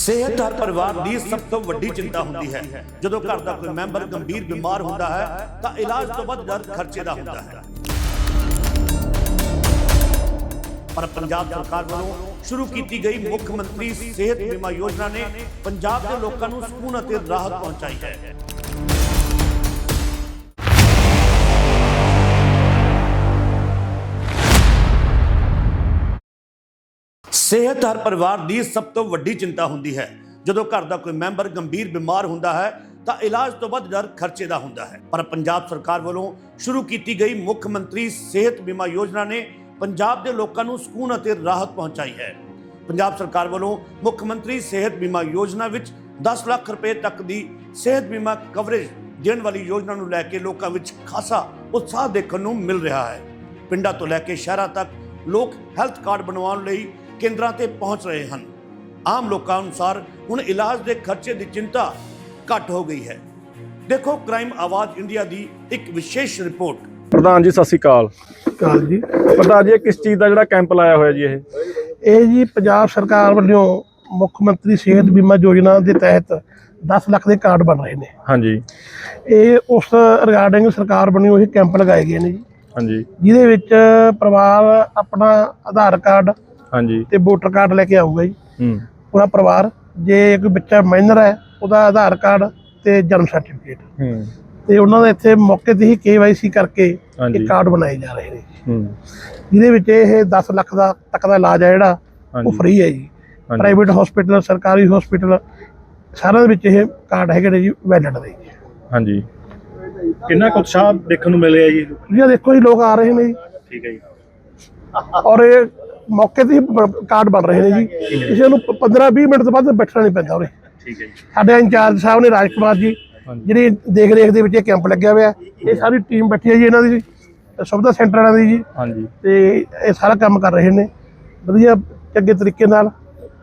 ਸਿਹਤ ਹਰ ਪਰਿਵਾਰ ਦੀ ਸਭ ਤੋਂ ਵੱਡੀ ਚਿੰਤਾ ਹੁੰਦੀ ਹੈ। ਜਦੋਂ ਘਰ ਦਾ ਕੋਈ ਮੈਂਬਰ ਗੰਭੀਰ ਬਿਮਾਰ ਹੁੰਦਾ ਹੈ ਤਾਂ ਇਲਾਜ ਤੋਂ ਵੱਧ ਦਰ ਖਰਚੇ ਦਾ ਹੁੰਦਾ ਹੈ। ਪਰ ਪੰਜਾਬ ਸਰਕਾਰ ਵੱਲੋਂ ਸ਼ੁਰੂ ਕੀਤੀ ਗਈ ਮੁੱਖ ਮੰਤਰੀ ਸਿਹਤ ਬੀਮਾ ਯੋਜਨਾ ਨੇ ਪੰਜਾਬ ਦੇ ਲੋਕਾਂ ਨੂੰ ਸਕੂਨ ਅਤੇ ਰਾਹਤ ਪਹੁੰਚਾਈ ਹੈ। ਸਿਹਤ ਹਰ ਪਰਿਵਾਰ ਦੀ ਸਭ ਤੋਂ ਵੱਡੀ ਚਿੰਤਾ ਹੁੰਦੀ ਹੈ। ਜਦੋਂ ਘਰ ਦਾ ਕੋਈ ਮੈਂਬਰ ਗੰਭੀਰ ਬਿਮਾਰ ਹੁੰਦਾ ਹੈ ਤਾਂ ਇਲਾਜ ਤੋਂ ਵੱਧ ਦਰ ਖਰਚੇ ਦਾ ਹੁੰਦਾ ਹੈ। ਪਰ ਪੰਜਾਬ ਸਰਕਾਰ ਵੱਲੋਂ ਸ਼ੁਰੂ ਕੀਤੀ ਗਈ ਮੁੱਖ ਮੰਤਰੀ ਸਿਹਤ ਬੀਮਾ ਯੋਜਨਾ ਨੇ ਪੰਜਾਬ ਦੇ ਲੋਕਾਂ ਨੂੰ ਸਕੂਨ ਅਤੇ ਰਾਹਤ ਪਹੁੰਚਾਈ ਹੈ। ਪੰਜਾਬ ਸਰਕਾਰ ਵੱਲੋਂ ਮੁੱਖ ਮੰਤਰੀ ਸਿਹਤ ਬੀਮਾ ਯੋਜਨਾ ਵਿੱਚ 10 ਲੱਖ ਰੁਪਏ ਤੱਕ ਦੀ ਸਿਹਤ ਬੀਮਾ ਕਵਰੇਜ ਦੇਣ ਵਾਲੀ ਯੋਜਨਾ ਨੂੰ ਲੈ ਕੇ ਲੋਕਾਂ ਵਿੱਚ ਖਾਸਾ ਉਤਸ਼ਾਹ ਦੇਖਣ ਨੂੰ ਮਿਲ ਰਿਹਾ ਹੈ। ਪਿੰਡਾਂ ਤੋਂ ਲੈ ਕੇ ਸ਼ਹਿਰਾਂ ਤੱਕ ਲੋਕ ਹੈਲਥ ਕਾਰਡ ਬਣਵਾਉਣ ਲਈ ਕੇਂਦਰਾਂ ਤੇ ਪਹੁੰਚ ਰਹੇ ਹਨ। ਆਮ ਲੋਕਾਂ ਅਨੁਸਾਰ ਹੁਣ ਇਲਾਜ ਦੇ ਖਰਚੇ ਦੀ ਚਿੰਤਾ ਘੱਟ ਹੋ ਗਈ ਹੈ। ਦੇਖੋ ਕ੍ਰਾਈਮ ਆਵਾਜ਼ ਇੰਡੀਆ ਦੀ ਇੱਕ ਵਿਸ਼ੇਸ਼ ਰਿਪੋਰਟ। ਪ੍ਰਧਾਨ ਜੀ ਸਤਿ ਸ਼੍ਰੀ ਅਕਾਲ ਜੀ। ਪ੍ਰਧਾਨ ਜੀ ਕਿਸ ਚੀਜ਼ ਦਾ ਜਿਹੜਾ ਕੈਂਪ ਲਾਇਆ ਹੋਇਆ ਜੀ ਇਹ ਜੀ ਪੰਜਾਬ ਸਰਕਾਰ ਵੱਲੋਂ ਮੁੱਖ ਮੰਤਰੀ ਸਿਹਤ ਬੀਮਾ ਯੋਜਨਾ ਦੇ ਤਹਿਤ 10 ਲੱਖ ਦੇ ਕਾਰਡ ਬਣ ਰਹੇ ਨੇ। ਹਾਂਜੀ, ਇਹ ਉਸ ਰਿਗਾਰਡਿੰਗ ਸਰਕਾਰ ਵੱਲੋਂ ਇਹ ਕੈਂਪ ਲਗਾਏ ਗਏ ਨੇ ਜੀ। ਹਾਂਜੀ, ਜਿਹਦੇ ਵਿੱਚ ਪਰਿਵਾਰ ਆਪਣਾ ਆਧਾਰ ਕਾਰਡ ਹਾਂਜੀ ਤੇ ਵੋਟਰ ਕਾਰਡ ਲੈ ਕੇ ਆਊਗਾ ਜੀ। ਪੂਰਾ ਪਰਿਵਾਰ, ਜੇ ਕੋਈ ਬੱਚਾ ਮਾਈਨਰ ਹੈ ਉਹਦਾ ਆਧਾਰ ਕਾਰਡ ਤੇ ਜਨਮ ਸਰਟੀਫਿਕੇਟ ਤੇ ਉਹਨਾਂ ਦਾ ਇੱਥੇ ਮੌਕੇ ਤੇ ਹੀ KYC ਕਰਕੇ ਇਹ ਕਾਰਡ ਬਣਾਏ ਜਾ ਰਹੇ ਨੇ। ਜਿਹਦੇ ਵਿੱਚ ਇਹ 10 ਲੱਖ ਦਾ ਤੱਕ ਦਾ ਇਲਾਜ ਹੈ ਜਿਹੜਾ ਉਹ ਫ੍ਰੀ ਹੈ ਜੀ। ਪ੍ਰਾਈਵੇਟ ਹਸਪੀਟਲ, ਸਰਕਾਰੀ ਹਸਪੀਟਲ ਸਾਰਿਆਂ ਦੇ ਵਿੱਚ ਇਹ ਕਾਰਡ ਹੈਗੇ ਨੇ ਜੀ, ਵੈਲਿਡ ਦੇ। ਹਾਂਜੀ, ਕਿੰਨਾ ਕੁ ਉਤਸ਼ਾਹ ਦੇਖਣ ਨੂੰ ਮਿਲ ਰਿਹਾ ਜੀ? ਜੀ ਦੇਖੋ ਜੀ, ਲੋਕ ਆ ਰਹੇ ਨੇ ਜੀ। ਠੀਕ ਹੈ ਜੀ। ਔਰ ਇਹ ਮੌਕੇ ਤੇ ਹੀ ਕਾਰਡ ਬਣ ਰਹੇ ਨੇ ਜੀ। ਕਿਸੇ ਨੂੰ 15-20 ਮਿੰਟ ਤੋਂ ਵੱਧ ਬੈਠਣਾ ਨਹੀਂ ਪੈਂਦਾ ਉਰੇ। ਠੀਕ ਹੈ ਜੀ। ਸਾਡੇ ਇੰਚਾਰਜ ਸਾਹਿਬ ਨੇ, ਰਾਜ ਕੁਮਾਰ ਜੀ, ਜਿਹੜੀ ਦੇਖ ਰੇਖ ਦੇ ਵਿੱਚ ਇਹ ਕੈਂਪ ਲੱਗਿਆ ਹੋਇਆ। ਇਹ ਸਾਰੀ ਟੀਮ ਬੈਠੀ ਹੈ ਜੀ ਇਹਨਾਂ ਦੀ, ਸੁਵਿਧਾ ਸੈਂਟਰ ਵਾਲਿਆਂ ਦੀ ਜੀ। ਹਾਂਜੀ, ਤੇ ਇਹ ਸਾਰਾ ਕੰਮ ਕਰ ਰਹੇ ਨੇ ਵਧੀਆ ਚੰਗੇ ਤਰੀਕੇ ਨਾਲ।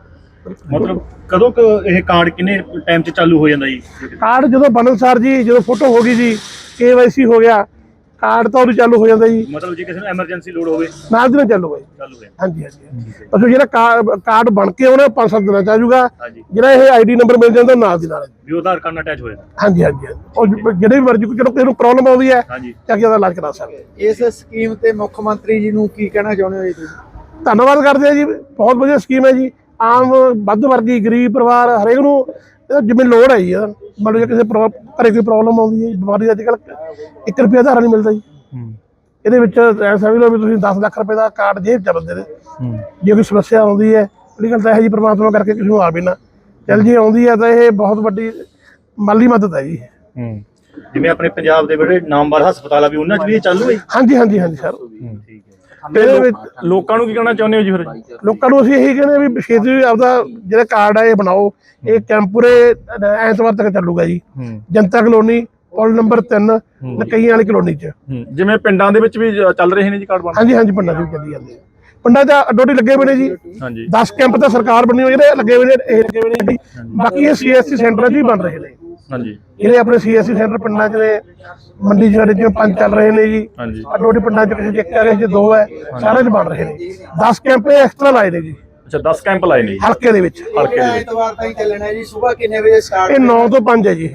ਮਤਲਬ ਕਦੋਂ ਇਹ ਕਾਰਡ ਕਿੰਨੇ ਟਾਈਮ 'ਚ ਚਾਲੂ ਹੋ ਜਾਂਦਾ ਜੀ? ਕਾਰਡ ਜਦੋਂ ਬਣਨਸਾਰ ਜੀ, ਜਦੋਂ ਫੋਟੋ ਹੋ ਗਈ ਜੀ, KYC ਹੋ ਗਿਆ, ਕਾਰਡ ਤਾਂ ਉਦੋਂ ਚਾਲੂ ਹੋ ਜਾਂਦਾ ਜੀ। ਮਤਲਬ ਜੇ ਕਿਸੇ ਨੂੰ ਐਮਰਜੈਂਸੀ ਲੋੜ ਹੋਵੇ ਨਾਲ ਦੀ ਨਾਲ ਚਾਲੂ ਹੋਏ। ਹੋਇਆ। ਹਾਂਜੀ ਹਾਂਜੀ। ਪਰ ਜਿਹੜਾ ਕਾਰਡ ਬਣ ਕੇ ਉਹਨੇ 5-7 ਦਿਨਾਂ ਚ ਆ ਜਾਊਗਾ। ਹਾਂਜੀ, ਜਿਹੜਾ ਇਹ ID ਨੰਬਰ ਮਿਲ ਜਾਂਦਾ ਨਾਲ ਦੀ ਨਾਲ ਵੀ ਆਧਾਰ ਕਾਰਡ ਨਾਲ ਅਟੈਚ ਹੋ ਜਾਂਦਾ। ਹਾਂਜੀ ਹਾਂਜੀ। ਉਹ ਜਿਹੜੇ ਵੀ ਮਰਜ਼ੀ ਚਲੋ ਕਿਸੇ ਨੂੰ ਪ੍ਰੋਬਲਮ ਆਉਂਦੀ ਹੈ ਹਾਂਜੀ, ਚੱਕ ਕੇ ਉਹਦਾ ਇਲਾਜ ਕਰਾ ਸਕਦੇ। ਇਸ ਸਕੀਮ ਤੇ ਮੁੱਖ ਮੰਤਰੀ ਜੀ ਨੂੰ ਕੀ ਕਹਿਣਾ ਚਾਹੁੰਦੇ ਹੋ ਜੀ ਤੁਸੀਂ? ਧੰਨਵਾਦ ਕਰਦੇ ਆ ਜੀ, ਬਹੁਤ ਵਧੀਆ ਸਕੀਮ ਹੈ ਜੀ। ਆਮ ਵੱਧ ਵਰਗੀ ਗਰੀਬ ਪਰਿਵਾਰ ਹਰੇਕ ਨੂੰ ਜਿਵੇਂ ਲੋੜ ਹੈ ਜੀ। ਮਤਲਬ ਜੇ ਕਿਸੇ ਘਰੇ ਕੋਈ ਪ੍ਰੋਬਲਮ ਆਉਂਦੀ ਹੈ, ਬਿਮਾਰੀ ਦਾ ਅੱਜ ਕੱਲ੍ਹ 1 ਰੁਪਇਆ ਆਧਾਰ ਨਹੀਂ ਮਿਲਦਾ ਜੀ। ਇਹਦੇ ਵਿੱਚ ਐਸਾ ਵੀ ਲਓ ਵੀ ਤੁਸੀਂ 10 ਲੱਖ ਰੁਪਏ ਦਾ ਕਾਰਡ ਜੇਬ ਚ ਬੰਦੇ ਦੇ। ਜੇ ਕੋਈ ਸਮੱਸਿਆ ਆਉਂਦੀ ਹੈ, ਪਹਿਲੀ ਗੱਲ ਤਾਂ ਇਹ ਜੀ ਪ੍ਰਮਾਤਮਾ ਕਰਕੇ ਕਿਸੇ ਨੂੰ ਆਵੇ ਨਾ, ਚੱਲ ਜੀ ਆਉਂਦੀ ਹੈ ਤਾਂ ਇਹ ਬਹੁਤ ਵੱਡੀ ਮਾਲੀ ਮਦਦ ਹੈ ਜੀ। ਜਿਵੇਂ ਆਪਣੇ ਪੰਜਾਬ ਦੇ ਬੜੇ ਨਾਮਵਰ ਹਸਪਤਾਲ ਆ ਵੀ ਉਹਨਾਂ 'ਚ ਵੀ ਇਹ ਚਾਲੂ ਹੈ? ਹਾਂਜੀ ਹਾਂਜੀ ਹਾਂਜੀ ਸਰ। ਠੀਕ ਹੈ। ਇਹਦੇ ਵਿੱਚ ਲੋਕਾਂ ਨੂੰ ਕੀ ਕਹਿਣਾ ਚਾਹੁੰਦੇ ਹੋ ਜੀ? ਫਿਰ ਲੋਕਾਂ ਨੂੰ ਅਸੀਂ ਇਹੀ ਕਹਿੰਦੇ ਆ ਵੀ ਛੇਤੀ ਆਪਦਾ ਜਿਹੜਾ ਕਾਰਡ ਹੈ ਇਹ ਬਣਾਓ। ਇਹ ਕੈਂਪ ਪੂਰੇ ਐਤਵਾਰ ਤੱਕ ਚੱਲੂਗਾ ਜੀ। ਜਨਤਾ ਕਲੋਨੀ, ਪੁਲ ਨੰਬਰ 3, ਨਕਈਆਂ ਵਾਲੀ ਕਲੋਨੀ ਚ। ਜਿਵੇਂ ਪਿੰਡਾਂ ਦੇ ਵਿੱਚ ਵੀ ਚੱਲ ਰਹੇ ਨੇ ਜੀ ਕਾਰਡ ਬਣ? ਹਾਂਜੀ ਹਾਂਜੀ, ਪਿੰਡਾਂ ਚ ਵੀ ਚੱਲੀ ਜਾਂਦੇ। ਪਿੰਡਾਂ ਚ ਅੱਡੋਡੀ ਲੱਗੇ ਹੋਏ ਨੇ ਜੀ। ਹਾਂਜੀ, 10 ਕੈਂਪ ਤਾਂ ਸਰਕਾਰ ਬਣੀ ਹੋਈ ਜਿਹੜੇ ਲੱਗੇ ਹੋਏ ਨੇ, ਇਹ ਲੱਗੇ ਹੋਏ ਨੇ ਜੀ। ਬਾਕੀ ਇਹ CSC ਸੈਂਟਰਾਂ ਚ ਵੀ ਬਣ ਰਹੇ ਨੇ। ਹਾਂਜੀ, ਜਿਹੜੇ ਆਪਣੇ CSC ਸੈਂਟਰ ਪਿੰਡਾਂ ਚ ਨੇ, ਮੰਡੀ ਚ ਜਿਵੇਂ 5 ਚੱਲ ਰਹੇ ਨੇ ਜੀ। ਹਾਂਜੀ, ਅੱਡੋਡੀ ਪਿੰਡਾਂ ਚ ਕਿਸੇ ਚ 1 ਹੈ, ਕਿਸੇ ਚ 2 ਹੈ, ਸਾਰਿਆਂ ਚ ਬਣ ਰਹੇ ਨੇ। 10 ਕੈਂਪ ਐਕਸਟਰਾ ਲਾਏ ਨੇ ਜੀ। ਅੱਛਾ, 10 ਕੈਂਪ ਲਾਏ ਨੇ ਜੀ ਹਲਕੇ ਦੇ ਵਿੱਚ। ਐਤਵਾਰ ਤਾਈਂ ਚੱਲਣਾ ਜੀ। ਸਵੇਰ ਕਿੰਨੇ ਵਜੇ ਸਟਾਰਟ? ਇਹ 9 ਤੋਂ 5 ਹੈ ਜੀ।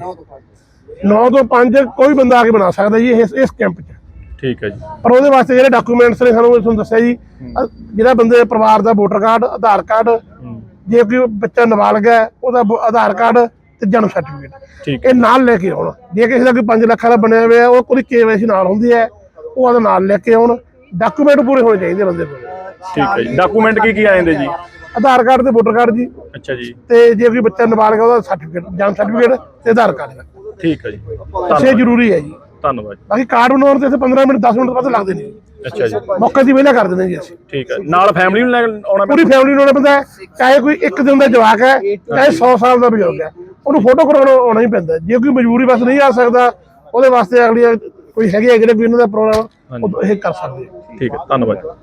9 ਤੋਂ 5 ਕੋਈ ਬੰਦਾ ਆ ਕੇ ਬਣਾ ਸਕਦਾ ਜੀ ਇਸ ਕੈਂਪ 'ਚ। ਠੀਕ ਹੈ ਜੀ। ਪਰ ਉਹਦੇ ਵਾਸਤੇ ਜਿਹੜੇ ਡਾਕੂਮੈਂਟਸ ਨੇ ਤੁਹਾਨੂੰ ਦੱਸਿਆ ਜੀ, ਜਿਹੜਾ ਬੰਦੇ ਦੇ ਪਰਿਵਾਰ ਦਾ ਵੋਟਰ ਕਾਰਡ, ਆਧਾਰ ਕਾਰਡ, ਜੇ ਕੋਈ ਬੱਚਾ ਨਾਬਾਲਗ ਹੈ ਉਹਦਾ ਆਧਾਰ ਕਾਰਡ ਤੇ ਜਨਮ ਸਰਟੀਫਿਕੇਟ ਇਹ ਨਾਲ ਲੈ ਕੇ ਆਉਣ। ਜੇ ਕਿਸੇ ਦਾ ਕੋਈ 5 ਲੱਖ ਦਾ ਬਣਿਆ ਹੋਇਆ ਉਹ ਕੋਈ KYC ਨਾਲ ਹੁੰਦੀ ਹੈ, ਉਹ ਉਹਦਾ ਨਾਲ ਲੈ ਕੇ ਆਉਣ। ਡਾਕੂਮੈਂਟ ਪੂਰੇ ਹੋਣੇ ਚਾਹੀਦੇ ਬੰਦੇ ਕੋਲ। ਠੀਕ ਹੈ ਜੀ। ਡਾਕੂਮੈਂਟ ਕੀ ਆ ਜਾਂਦੇ ਜੀ? ਆਧਾਰ ਕਾਰਡ ਤੇ ਵੋਟਰ ਕਾਰਡ ਜੀ। ਅੱਛਾ ਜੀ। ਤੇ ਜੇ ਕੋਈ ਬੱਚਾ ਨਾਬਾਲਗ ਹੈ ਉਹਦਾ ਸਰਟੀਫਿਕੇਟ, ਜਨਮ ਸਰਟੀਫਿਕੇਟ ਤੇ ਆਧਾਰ ਕਾਰਡ। ਠੀਕ ਹੈ ਜੀ, ਇਹ ਜ਼ਰੂਰੀ ਹੈ ਜੀ। ਧੰਨਵਾਦ। ਬਾਕੀ ਕਾਰਡ ਬਣਾਉਣ ਤੇ 15 ਮਿੰਟ 10 ਮਿੰਟ ਵੱਧ ਲੱਗਦੇ ਨੇ। ਅੱਛਾ ਜੀ। ਮੌਕੇ ਦੀ ਵਿਹਲਾ ਕਰ ਦਿੰਦੇ ਜੀ ਅਸੀਂ। ਠੀਕ ਹੈ। ਨਾਲ ਫੈਮਿਲੀ ਨੂੰ ਲੈ ਕੇ ਆਉਣਾ? ਪੂਰੀ ਫੈਮਿਲੀ ਨੂੰ ਆਉਣਾ ਪੈਂਦਾ ਹੈ। ਚਾਹੇ ਕੋਈ 1 ਦਿਨ ਦਾ ਜਵਾਕ ਹੈ, ਚਾਹੇ 100 ਸਾਲ ਦਾ ਬਜ਼ੁਰਗ ਹੈ, ਉਹਨੂੰ ਫੋਟੋ ਕਰਾਉਣ ਆਉਣਾ ਹੀ ਪੈਂਦਾ। ਜੇ ਕੋਈ ਮਜਬੂਰੀ ਬਸ ਨਹੀਂ ਆ ਸਕਦਾ, ਉਹਦੇ ਵਾਸਤੇ ਅਗਲੀ ਕੋਈ ਹੈਗੇ ਆ ਜਿਹੜੇ ਕੋਈ ਇਹਨਾਂ ਦਾ ਪ੍ਰੋਗਰਾਮ ਉਹ ਇਹ ਕਰ ਸਕਦੇ। ਠੀਕ ਹੈ, ਧੰਨਵਾਦ।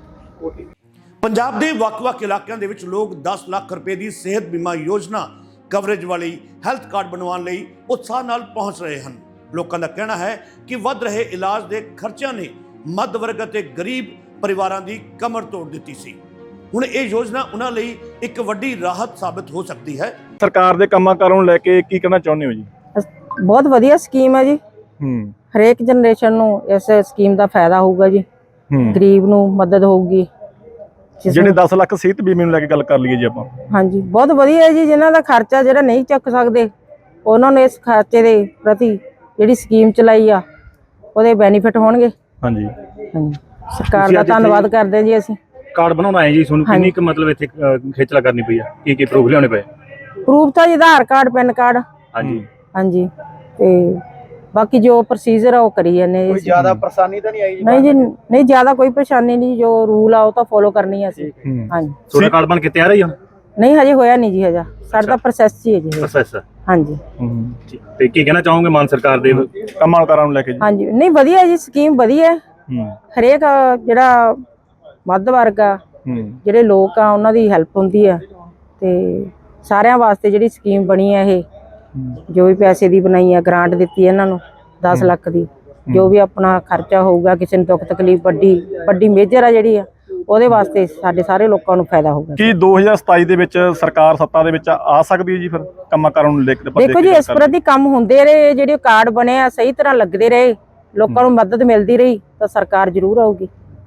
ਪੰਜਾਬ ਦੇ ਵੱਖ-ਵੱਖ ਇਲਾਕਿਆਂ ਦੇ ਵਿੱਚ ਲੋਕ 10 ਲੱਖ ਰੁਪਏ ਦੀ ਸਿਹਤ ਬੀਮਾ ਯੋਜਨਾ ਕਵਰੇਜ ਵਾਲੀ ਹੈਲਥ ਕਾਰਡ ਬਣਵਾਉਣ ਲਈ ਉਤਸ਼ਾਹ ਨਾਲ ਪਹੁੰਚ ਰਹੇ ਹਨ। ਲੋਕਾਂ ਦਾ ਕਹਿਣਾ ਹੈ ਕਿ ਵੱਧ ਰਹੇ ਇਲਾਜ ਦੇ ਖਰਚਿਆਂ ਨੇ ਮੱਧ ਵਰਗ ਅਤੇ ਗਰੀਬ ਪਰਿਵਾਰਾਂ ਦੀ ਕਮਰ ਤੋੜ ਦਿੱਤੀ ਸੀ। ਹੁਣ ਇਹ ਯੋਜਨਾ ਉਹਨਾਂ ਲਈ ਇੱਕ ਵੱਡੀ ਰਾਹਤ ਸਾਬਤ ਹੋ ਸਕਦੀ ਹੈ। ਸਰਕਾਰ ਦੇ ਕੰਮਾਂ ਕਾਰਾਂ ਨੂੰ ਲੈ ਕੇ ਕੀ ਕਹਿਣਾ ਚਾਹੁੰਦੇ ਹੋ ਜੀ? ਬਹੁਤ ਵਧੀਆ ਸਕੀਮ ਹੈ ਜੀ। ਹਰੇਕ ਜਨਰੇਸ਼ਨ ਨੂੰ ਇਸ ਸਕੀਮ ਦਾ ਫਾਇਦਾ ਹੋਊਗਾ ਜੀ। ਗਰੀਬ ਨੂੰ ਮਦਦ ਹੋਊਗੀ। ਜਿਹੜੇ 10 ਲੱਖ ਸਿਹਤ ਬੀਮੇ ਨੂੰ ਲੈ ਕੇ ਗੱਲ ਕਰ ਲਈਏ ਜੀ ਆਪਾਂ। ਹਾਂਜੀ, ਬਹੁਤ ਵਧੀਆ ਹੈ ਜੀ। ਜਿਨ੍ਹਾਂ ਦਾ ਖਰਚਾ ਜਿਹੜਾ ਨਹੀਂ ਚੱਕ ਸਕਦੇ ਉਹਨਾਂ ਨੂੰ ਇਸ ਖਰਚੇ ਦੇ ਪ੍ਰਤੀ ਜਿਹੜੀ ਸਕੀਮ ਚਲਾਈ ਆ ਉਹਦੇ ਬੈਨੀਫਿਟ ਹੋਣਗੇ। ਹਾਂਜੀ ਹਾਂਜੀ, ਸਰਕਾਰ ਦਾ ਧੰਨਵਾਦ ਕਰਦੇ ਹਾਂ ਜੀ ਅਸੀਂ। ਕਾਰਡ ਬਣਾਉਣਾ ਹੈ ਜੀ, ਤੁਹਾਨੂੰ ਕਿੰਨੀ ਕੁ ਮਤਲਬ ਇੱਥੇ ਖੇਚਲਾ ਕਰਨੀ ਪਈ ਆ? ਕੀ ਪ੍ਰੂਫ ਲਿਆਉਣੇ ਪਏ? ਪ੍ਰੂਫ ਤਾਂ ਜੀ ਆਧਾਰ ਕਾਰਡ, ਪੈਨ ਕਾਰਡ। ਹਾਂਜੀ ਹਾਂਜੀ, ਤੇ ਬਾਕੀ ਜੋ ਪ੍ਰੋਸੀਜਰ ਆ ਉਹ ਕਰੀ ਜਾਂਦੇ ਕੋਈ ਜ਼ਿਆਦਾ ਪਰੇਸ਼ਾਨੀ ਤਾਂ ਨਹੀਂ ਆਈ ਜੀ? ਨਹੀਂ ਜੀ, ਨਹੀਂ ਜ਼ਿਆਦਾ ਕੋਈ ਪਰੇਸ਼ਾਨੀ ਨਹੀਂ। ਜੋ ਰੂਲ ਆ ਉਹ ਤਾਂ ਫੋਲੋ ਕਰਨੀ ਆ ਅਸੀਂ। ਹਾਂਜੀ, ਤੁਹਾਡਾ ਕਾਰਡ ਬਣ ਕੇ ਤਿਆਰ ਹੈ ਜੀ ਹੁਣ? ਨਹੀਂ ਹਜੇ ਹੋਇਆ ਨਹੀਂ ਜੀ। ਹਜਾ ਸਾਡਾ ਪ੍ਰੋਸੈਸ ਹੀ ਹੈ ਜੀ। ਪ੍ਰੋਸੈਸ ਹਾਂਜੀ ਤੇ ਕੀ ਕਹਿਣਾ ਚਾਹੋਗੇ ਮਾਨ ਸਰਕਾਰ ਦੇ ਕੰਮਾਂ ਕਾਰਾਂ ਨੂੰ ਲੈ ਕੇ ਜੀ? ਹਾਂਜੀ, ਨਹੀਂ ਵਧੀਆ ਜੀ, ਸਕੀਮ ਵਧੀਆ। ਹਰੇਕ ਜਿਹੜਾ ਮੱਧ ਵਰਗ ਆ, ਜਿਹੜੇ ਲੋਕ ਆ, ਉਹਨਾਂ ਦੀ ਹੈਲਪ ਹੁੰਦੀ ਆ। ਤੇ ਸਾਰਿਆਂ ਵਾਸਤੇ ਜਿਹੜੀ ਸਕੀਮ ਬਣੀ ਆ ਇਹ, ਜੋ ਵੀ ਪੈਸੇ ਦੀ ਬਣਾਈ ਆ, ਗ੍ਰਾਂਟ ਦਿੱਤੀ ਇਹਨਾਂ ਨੂੰ 10 ਲੱਖ ਦੀ। ਜੋ ਵੀ ਆਪਣਾ ਖਰਚਾ ਹੋਊਗਾ, ਕਿਸੇ ਨੂੰ ਦੁੱਖ ਤਕਲੀਫ ਵੱਡੀ ਮੇਜਰ ਆ ਜਿਹੜੀ ਆ, ਉਹਦੇ ਵਾਸਤੇ ਸਾਡੇ ਸਾਰੇ ਲੋਕਾਂ ਨੂੰ ਫਾਇਦਾ ਹੋਊਗਾ। ਕੀ 2027 ਦੇ ਵਿੱਚ ਸਰਕਾਰ ਸੱਤਾ ਦੇ ਵਿੱਚ ਆ ਸਕਦੀ ਹੈ ਜੀ ਫਿਰ ਕੰਮਾਂ ਕਾਰਾਂ ਨੂੰ ਲੈ ਕੇ? ਦੇਖੋ ਜੀ, ਇਸ ਪ੍ਰਤੀ ਕੰਮ ਹੁੰਦੇ ਰਹੇ, ਜਿਹੜੇ ਕਾਰਡ ਬਣੇ ਆ ਸਹੀ ਤਰ੍ਹਾਂ ਲੱਗਦੇ ਰਹੇ, ਲੋਕਾਂ ਨੂੰ ਮਦਦ ਮਿਲਦੀ ਰਹੀ, ਤਾਂ ਸਰਕਾਰ ਜ਼ਰੂਰ ਆਊਗੀ।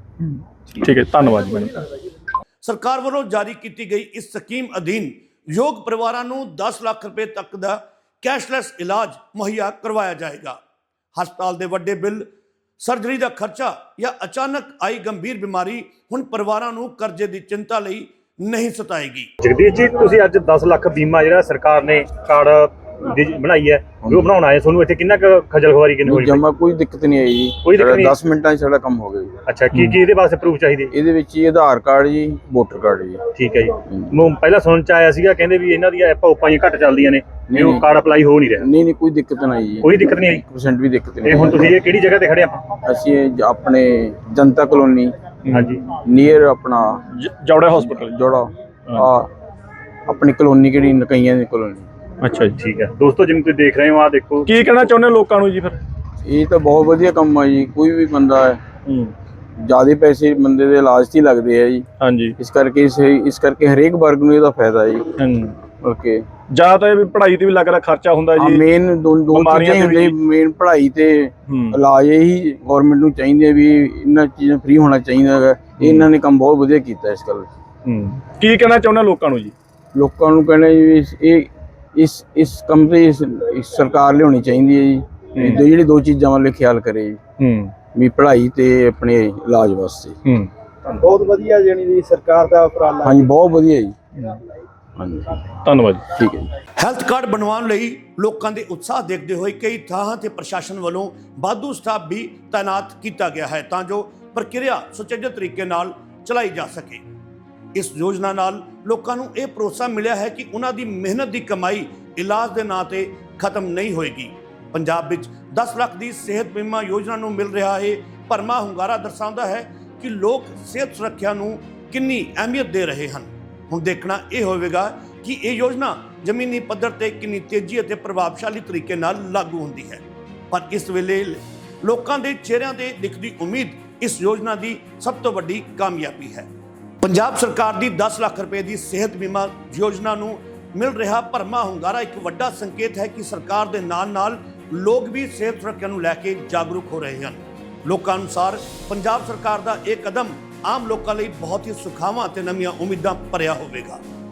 ਠੀਕ ਹੈ, ਧੰਨਵਾਦ ਜੀ। ਸਰਕਾਰ ਵੱਲੋਂ ਜਾਰੀ ਕੀਤੀ ਗਈ ਇਸ ਸਕੀਮ ਅਧੀਨ ਯੋਗ ਪਰਿਵਾਰਾਂ ਨੂੰ 10 ਲੱਖ ਰੁਪਏ ਤੱਕ ਦਾ ਕੈਸ਼ਲੈਸ ਇਲਾਜ ਮੁਹੱਈਆ ਕਰਵਾਇਆ ਜਾਏਗਾ। ਹਸਪਤਾਲ ਦੇ ਵੱਡੇ ਬਿੱਲ, ਸਰਜਰੀ ਦਾ ਖਰਚਾ ਜਾਂ ਅਚਾਨਕ ਆਈ ਗੰਭੀਰ ਬਿਮਾਰੀ ਹੁਣ ਪਰਿਵਾਰਾਂ ਨੂੰ ਕਰਜ਼ੇ ਦੀ ਚਿੰਤਾ ਲਈ ਨਹੀਂ ਸਤਾਏਗੀ। ਜਗਦੀਸ਼ ਜੀ, ਤੁਸੀਂ ਅੱਜ 10 ਲੱਖ ਬੀਮਾ ਜਿਹੜਾ ਸਰਕਾਰ ਨੇ ਕਾਰਡ ਦੀ ਬਣਾਈ ਹੈ, ਉਹ ਬਣਾਉਣ ਆਏ, ਤੁਹਾਨੂੰ ਇੱਥੇ ਕਿੰਨਾ ਕੁ ਖੱਜਲ ਖੁਆਰੀ ਕਿੰਨੀ ਹੋਈ? ਜਮਾ ਕੋਈ ਦਿੱਕਤ ਨਹੀਂ ਆਈ ਜੀ। ਕੋਈ ਦਿੱਕਤ ਨਹੀਂ? 10 ਮਿੰਟਾਂ 'ਚ ਸਾਡਾ ਕੰਮ ਹੋ ਗਿਆ ਜੀ। ਅੱਛਾ, ਕੀ ਇਹਦੇ ਵਾਸਤੇ ਪ੍ਰੂਫ ਚਾਹੀਦੇ? ਇਹਦੇ ਵਿੱਚ ਜੀ ਆਧਾਰ ਕਾਰਡ ਜੀ, ਵੋਟਰ ਕਾਰਡ ਜੀ। ਠੀਕ ਹੈ ਜੀ। ਪਹਿਲਾਂ ਸੁਣਨ ਚ ਆਇਆ ਸੀਗਾ, ਕਹਿੰਦੇ ਵੀ ਇਹਨਾਂ ਦੀਆਂ ਐਪਾਂ ਘੱਟ ਚੱਲਦੀਆਂ ਨੇ, ਵੀ ਉਹ ਕਾਰਡ ਅਪਲਾਈ ਹੋ ਨਹੀਂ ਰਿਹਾ। ਨਹੀਂ, ਕੋਈ ਦਿੱਕਤ ਨਹੀਂ ਜੀ। ਕੋਈ ਦਿੱਕਤ ਨਹੀਂ ਆਈ? 1% ਵੀ ਦਿੱਕਤ ਨਹੀਂ। ਇਹ ਹੁਣ ਤੁਸੀਂ ਇਹ ਕਿਹੜੀ ਜਗ੍ਹਾ ਤੇ ਖੜੇ ਆਪਾਂ? ਅਸੀਂ ਆਪਣੇ ਜਨਤਾ ਕਲੋਨੀ, ਹਾਂਜੀ, ਨੀਅਰ ਆਪਣਾ ਜੌੜਾ ਹਸਪੀਟਲ ਜੋੜਾ, ਆਪਣੀ ਕਲੋਨੀ ਕਿਹੜੀ ਨਕਈਆਂ ਦੀ ਕਲੋਨੀ। ਅੱਛਾ ਜੀ, ਠੀਕ ਹੈ। ਦੋਸਤੋ, ਜਿਵੇਂ ਤੁਸੀਂ ਦੇਖ ਰਹੇ ਹੋ, ਆਹ ਦੇਖੋ। ਕੀ ਕਹਿਣਾ ਚਾਹੁੰਦੇ ਹੋ ਲੋਕਾਂ ਨੂੰ ਜੀ ਫਿਰ? ਇਹ ਤਾਂ ਬਹੁਤ ਵਧੀਆ ਕੰਮ ਆ ਜੀ। ਕੋਈ ਵੀ ਬੰਦਾ ਹੈ, ਜ਼ਿਆਦਾ ਪੈਸੇ ਬੰਦੇ ਦੇ ਇਲਾਜ 'ਚ ਹੀ ਲੱਗਦੇ ਆ ਜੀ। ਹਾਂਜੀ, ਇਸ ਕਰਕੇ ਹਰੇਕ ਵਰਗ ਨੂੰ ਇਹਦਾ ਫਾਇਦਾ ਜੀ। ਓਕੇ, ਜਾਂ ਤਾਂ ਇਹ ਵੀ ਪੜ੍ਹਾਈ ਤੇ ਵੀ ਲੱਗ ਰਿਹਾ ਖਰਚਾ ਹੁੰਦਾ ਜੀ। ਮੇਨ ਦੋ ਚੀਜ਼ਾਂ ਹੁੰਦੀਆਂ, ਮੇਨ ਪੜ੍ਹਾਈ ਤੇ ਇਲਾਜ। ਇਹੀ ਗਵਰਨਮੈਂਟ ਨੂੰ ਚਾਹੀਦੇ ਵੀ ਇਹਨਾਂ ਚੀਜ਼ਾਂ ਫ੍ਰੀ ਹੋਣਾ ਚਾਹੀਦਾ ਹੈਗਾ। ਇਹਨਾਂ ਨੇ ਕੰਮ ਬਹੁਤ ਵਧੀਆ ਕੀਤਾ ਇਸ ਗੱਲ। ਕੀ ਕਹਿਣਾ ਚਾਹੁੰਦੇ ਲੋਕਾਂ ਨੂੰ ਜੀ? ਲੋਕਾਂ ਨੂੰ ਕਹਿਣਾ ਜੀ, ਇਹ ਇਸ ਕੰਮ ਤੇ ਸਰਕਾਰ ਲਿਆਉਣੀ ਚਾਹੀਦੀ ਹੈ ਜੀ। ਜਿਹੜੀ ਦੋ ਚੀਜ਼ਾਂ ਵੱਲ ਖਿਆਲ ਕਰੇ ਜੀ, ਵੀ ਪੜ੍ਹਾਈ ਤੇ ਆਪਣੇ ਇਲਾਜ ਵਾਸਤੇ। ਬਹੁਤ ਵਧੀਆ ਜਾਨੀ ਦੀ ਸਰਕਾਰ ਦਾ ਉਪਰਾਲਾ। ਹਾਂਜੀ, ਬਹੁਤ ਵਧੀਆ ਜੀ। ਹਾਂਜੀ, ਧੰਨਵਾਦ। ਠੀਕ ਹੈ ਜੀ। ਹੈਲਥ ਕਾਰਡ ਬਣਵਾਉਣ ਲਈ ਲੋਕਾਂ ਦੇ ਉਤਸ਼ਾਹ ਦੇਖਦੇ ਹੋਏ ਕਈ ਥਾਵਾਂ ਤੇ ਪ੍ਰਸ਼ਾਸਨ ਵੱਲੋਂ ਵਾਧੂ ਸਟਾਫ ਵੀ ਤਾਇਨਾਤ ਕੀਤਾ ਗਿਆ ਹੈ ਤਾਂ ਜੋ ਪ੍ਰਕਿਰਿਆ ਸੁਚੱਜੇ ਤਰੀਕੇ ਨਾਲ ਚਲਾਈ ਜਾ ਸਕੇ। ਇਸ ਯੋਜਨਾ ਨਾਲ ਲੋਕਾਂ ਨੂੰ ਇਹ ਭਰੋਸਾ ਮਿਲਿਆ ਹੈ ਕਿ ਉਹਨਾਂ ਦੀ ਮਿਹਨਤ ਦੀ ਕਮਾਈ ਇਲਾਜ ਦੇ ਨਾਂ ਤੇ ਖਤਮ ਨਹੀਂ ਹੋਏਗੀ। ਪੰਜਾਬ ਵਿੱਚ 10 ਲੱਖ ਦੀ ਸਿਹਤ ਬੀਮਾ ਯੋਜਨਾ ਨੂੰ ਮਿਲ ਰਿਹਾ ਹੈ ਭਰਮਾ ਹੁੰਗਾਰਾ ਦਰਸਾਉਂਦਾ ਹੈ ਕਿ ਲੋਕ ਸਿਹਤ ਸੁਰੱਖਿਆ ਨੂੰ ਕਿੰਨੀ ਅਹਿਮੀਅਤ ਦੇ ਰਹੇ ਹਨ। ਹੁਣ ਦੇਖਣਾ ਇਹ ਹੋਵੇਗਾ ਕਿ ਇਹ ਯੋਜਨਾ ਜ਼ਮੀਨੀ ਪੱਧਰ ਤੇ ਕਿੰਨੀ ਤੇਜ਼ੀ ਅਤੇ ਪ੍ਰਭਾਵਸ਼ਾਲੀ ਤਰੀਕੇ ਨਾਲ ਲਾਗੂ ਹੁੰਦੀ ਹੈ। ਪਰ ਇਸ ਵੇਲੇ ਲੋਕਾਂ ਦੇ ਚਿਹਰਿਆਂ ਤੇ ਦਿਖਦੀ ਉਮੀਦ ਇਸ ਯੋਜਨਾ ਦੀ ਸਭ ਤੋਂ ਵੱਡੀ ਕਾਮਯਾਬੀ ਹੈ। ਪੰਜਾਬ ਸਰਕਾਰ ਦੀ 10 ਲੱਖ ਰੁਪਏ ਦੀ ਸਿਹਤ ਬੀਮਾ ਯੋਜਨਾ ਨੂੰ ਮਿਲ ਰਿਹਾ ਭਰਮਾ ਹੁੰਗਾਰਾ ਇੱਕ ਵੱਡਾ ਸੰਕੇਤ ਹੈ ਕਿ ਸਰਕਾਰ ਦੇ ਨਾਲ-ਨਾਲ ਲੋਕ ਵੀ ਸਿਹਤ ਸੁਰੱਖਿਆ ਨੂੰ ਲੈ ਕੇ ਜਾਗਰੂਕ ਹੋ ਰਹੇ ਹਨ। ਲੋਕਾਂ ਅਨੁਸਾਰ ਪੰਜਾਬ ਸਰਕਾਰ ਦਾ ਇਹ ਕਦਮ ਆਮ ਲੋਕਾਂ ਲਈ ਬਹੁਤ ਹੀ ਸੁਖਾਵਾਂ ਤੇ ਨਵੀਆਂ ਉਮੀਦਾਂ ਭਰਿਆ ਹੋਵੇਗਾ।